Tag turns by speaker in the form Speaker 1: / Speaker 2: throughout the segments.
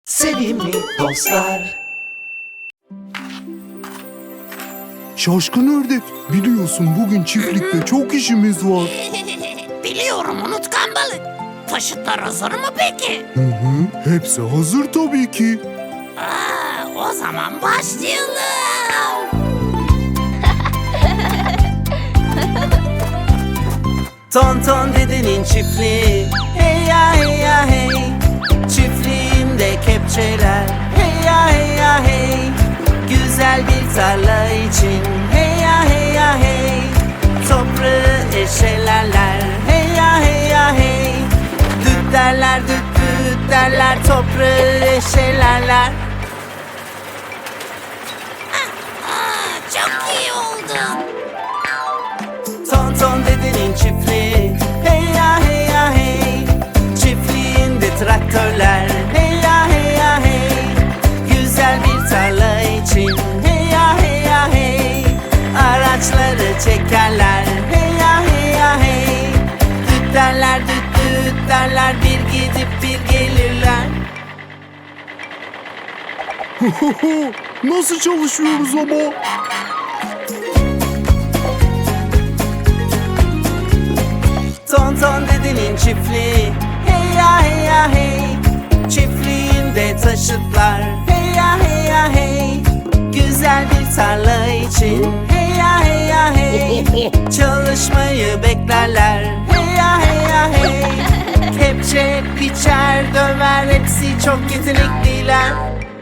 Speaker 1: Sevimli dostlar.
Speaker 2: Şaşkın ördek, biliyorsun bugün çiftlikte çok işimiz var.
Speaker 3: Biliyorum unutkan balık. Taşıtlar hazır mı peki?
Speaker 2: Hı hı, hepsi hazır tabii ki.
Speaker 3: O zaman başlayalım.
Speaker 1: Tonton dedenin çiftliği. Hey ya hey ya hey. Çiftliğinde kepçeler. Hey ya hey ya hey. Güzel bir tarla için. Hey ya hey ya hey. Toprağı eşelerler. Hey ya hey ya hey. Düt derler düt düt derler. Toprağı eşelerler.
Speaker 3: Çok iyi oldu.
Speaker 1: Tonton dedenin çiftliği. Hey ya hey ya hey. Çiftliğinde traktörler. Hey ya hey ya hey. Güzel bir tarla için. Hey ya hey ya hey. Araçları çekerler. Hey ya hey ya hey. Düt derler düt düt derler. Bir gidip bir gelirler.
Speaker 2: Nasıl çalışıyoruz ama?
Speaker 1: Tonton dedenin çiftliği. Hey ya hey ya hey. Çiftliğinde taşıtlar. Hey ya hey ya hey. Güzel bir tarla için. Hey ya hey ya hey. Çalışmayı beklerler. Hey ya hey ya hey. Kepçe, biçer, döver. Hepsi çok yetenekliler.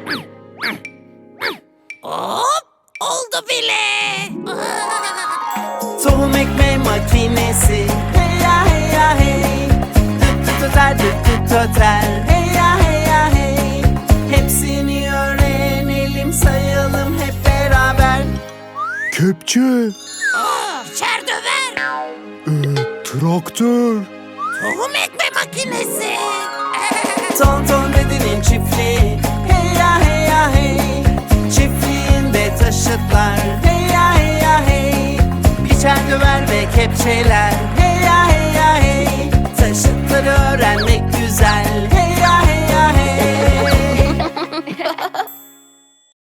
Speaker 3: Hop, oldu bile.
Speaker 1: Tohum ekme makinesi. Hey ya hey ya hey. Düt düt öter düt düt öter. Hey ya hey ya hey. Hepsini öğrenelim, sayalım hep beraber.
Speaker 2: Kepçe,
Speaker 3: Biçer döver.
Speaker 2: traktör,
Speaker 3: Tohum ekme makinesi.
Speaker 1: Tonton dedenin çiftliği. Hey ya hey ya hey. Çiftliğinde taşıtlar. Hey ya hey ya hey. Biçer döver ve kepçeler. Hey ya hey ya hey. Taşıtları öğrenmek güzel.